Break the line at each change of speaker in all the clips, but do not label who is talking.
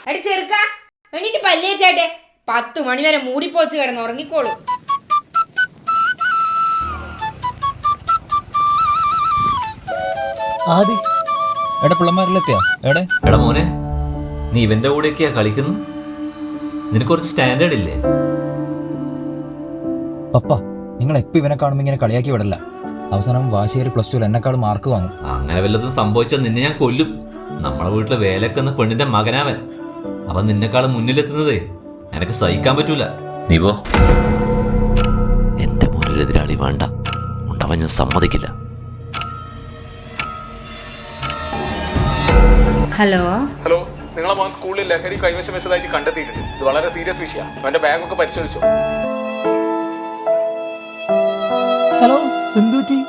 അടി ചെറുക്ക എണീറ്റ് പല്ലേച്ചാട്ടെ 10 മണി വരെ മൂടിപ്പോച്ച് കിടന്ന് ഉറങ്ങിക്കോളൂ.
എടാ പിള്ളമാരിലെത്തിയാ എവിടെ?
എടാ മോനെ, നീ ഇവന്റെ കൂടെയൊക്കെയാ കളിക്കുന്നു? നിനക്ക് കുറച്ച് സ്റ്റാൻഡേർഡ് ഇല്ലേ?
പപ്പ, നിങ്ങൾ എപ്പോ ഇവനെ കാണുമ്പോ ഇങ്ങനെ കളിയാക്കി വിടല്ല. അവസാനം വാശിയേറി +2 എന്നെക്കാളും മാർക്ക് വാങ്ങും.
അങ്ങനെ വല്ലതും സംഭവിച്ചാൽ നിന്നെ ഞാൻ കൊല്ലും. നമ്മളെ വീട്ടിലെ വേലക്കുന്ന പെണ്ണിന്റെ മകനാവൻ. അവൻ നിന്നെക്കാളും മുന്നിലെത്തുന്നതേ എനക്ക് സഹിക്കാൻ പറ്റൂല. നീ പോ. എന്റെ മുന്നിലെതിരാളി വേണ്ട, ഉണ്ടാവാൻ ഞാൻ സമ്മതിക്കില്ല.
ഹലോ
ഹലോ, നിങ്ങളെ മോൻ സ്കൂളിൽ ലഹരി കൈവശം വെച്ചതായിട്ട് കണ്ടെത്തിയിട്ടുണ്ട്. ഇത് വളരെ സീരിയസ് വിഷയമാണ്. അവന്റെ ബാഗൊക്കെ പരിശോധിച്ചോ?
ഹലോ, എന്തുപറ്റി?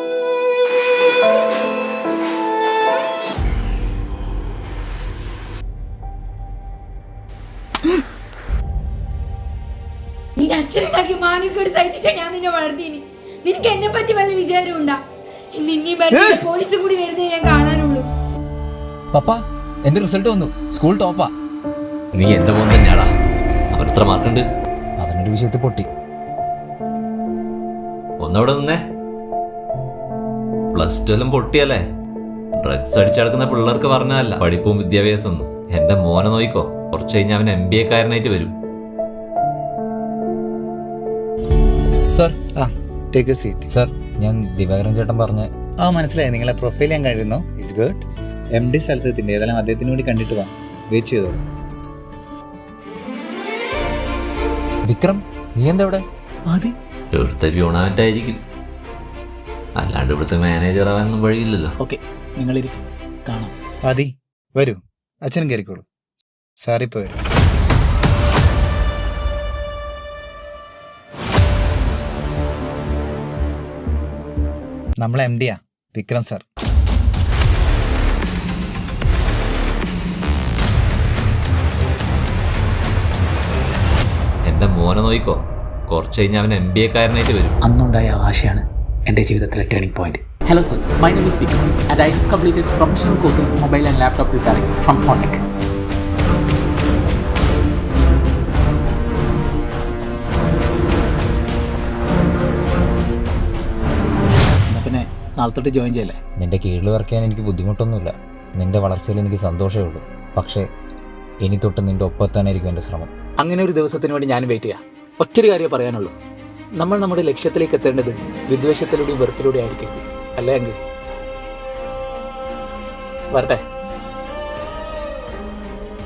നിന്റെ അച്ഛനുണ്ടാക്കി മാനിക്കേട് സഹിച്ചിട്ടാ ഞാൻ നിന്നെ വളർത്തിന്. നിനക്ക് എന്നെ പറ്റി വല്ല വിചാരം ഉണ്ടാ? നിന്നെ പോലീസ് കൂടി വരുന്നേ ഞാൻ കാണാനുള്ളൂ.
പപ്പ, എന്റെ റിസൾട്ട് വന്നു. സ്കൂൾ ടോപ്പാ.
നീ എന്റെ മോൻ തന്നെയാടാ. അവൻ എത്ര മാർക്കുണ്ട്?
അവനൊരു വിഷയത്തിൽ പൊട്ടി.
ഒന്നവിടെ നിന്നേ. +2 എല്ലാം പൊട്ടിയല്ലേ? ഡ്രഗ്സ് അടിച്ചടക്കുന്ന പിള്ളേർക്ക് പറഞ്ഞതല്ല പഠിപ്പും വിദ്യാഭ്യാസം ഒന്നും. എന്റെ മോനെ നോയിക്കോ, കുറച്ച് കഴിഞ്ഞാൽ അവൻ MBA കാരനായിട്ട് വരും.
Sir,
take a seat.
Sir, ഞാൻ ദിവാകരൻ ചേട്ടൻ പറഞ്ഞ
മനസ്സിലായി. നിങ്ങളെ പ്രൊഫൈൽ ഞാൻ കഴിഞ്ഞു. It's good. MD സ്ഥലത്തെത്തിൻ്റെ ഏതായാലും അദ്ദേഹത്തിന് വേണ്ടി കണ്ടിട്ട് വാ. വെയിറ്റ് ചെയ്തോളൂ.
വിക്രം, നീ എന്താ ഇവിടെ?
ഇവിടുത്തെ പ്യൂണായിട്ടായിരിക്കും, അല്ലാണ്ട് ഇവിടുത്തെ മാനേജർ ആവാനൊന്നും വഴിയില്ലല്ലോ.
ഓക്കെ, നിങ്ങളിരിക്കും, കാണാം.
ആദി വരൂ, അച്ഛനും കയറിക്കോളൂ. സാറിപ്പോ വരും. നമ്മളെ MD വിക്രം സാർ.
എന്റെ മോനെ നോയിക്കോ, കുറച്ച് കഴിഞ്ഞാൽ അവൻ MBA കാരനായിട്ട് വരും.
അന്നുണ്ടായ ആശയാണ് എൻ്റെ ജീവിതത്തിലെ turning point. Hello sir, my name is Vikram and I have completed professional course in mobile and laptop repairing from Phonetech. എന്നാ പിന്നെ നാളെ തൊട്ട് ജോയിൻ ചെയ്യല്ലേ?
നിന്റെ കീഴിൽ വർക്ക് ചെയ്യാൻ എനിക്ക് ബുദ്ധിമുട്ടൊന്നുമില്ല. നിന്റെ വളർച്ചയിൽ എനിക്ക് സന്തോഷമേ ഉള്ളൂ. പക്ഷേ ഇനി തൊട്ട് നിന്റെ ഒപ്പത്താനായിരിക്കും എൻ്റെ ശ്രമം.
അങ്ങനെ ഒരു ദിവസത്തിന് വേണ്ടി ഞാൻ വെയിറ്റ് ചെയ്യാം. ഒറ്റൊരു കാര്യമേ പറയാനുള്ളൂ, നമ്മൾ നമ്മുടെ ലക്ഷ്യത്തിലേക്ക് എത്തേണ്ടത് വിദ്വേഷത്തിലൂടെയും വെറുപ്പിലൂടെയും ആയിരിക്കരുത്. അല്ലേ എങ്കിൽ വരട്ടെ.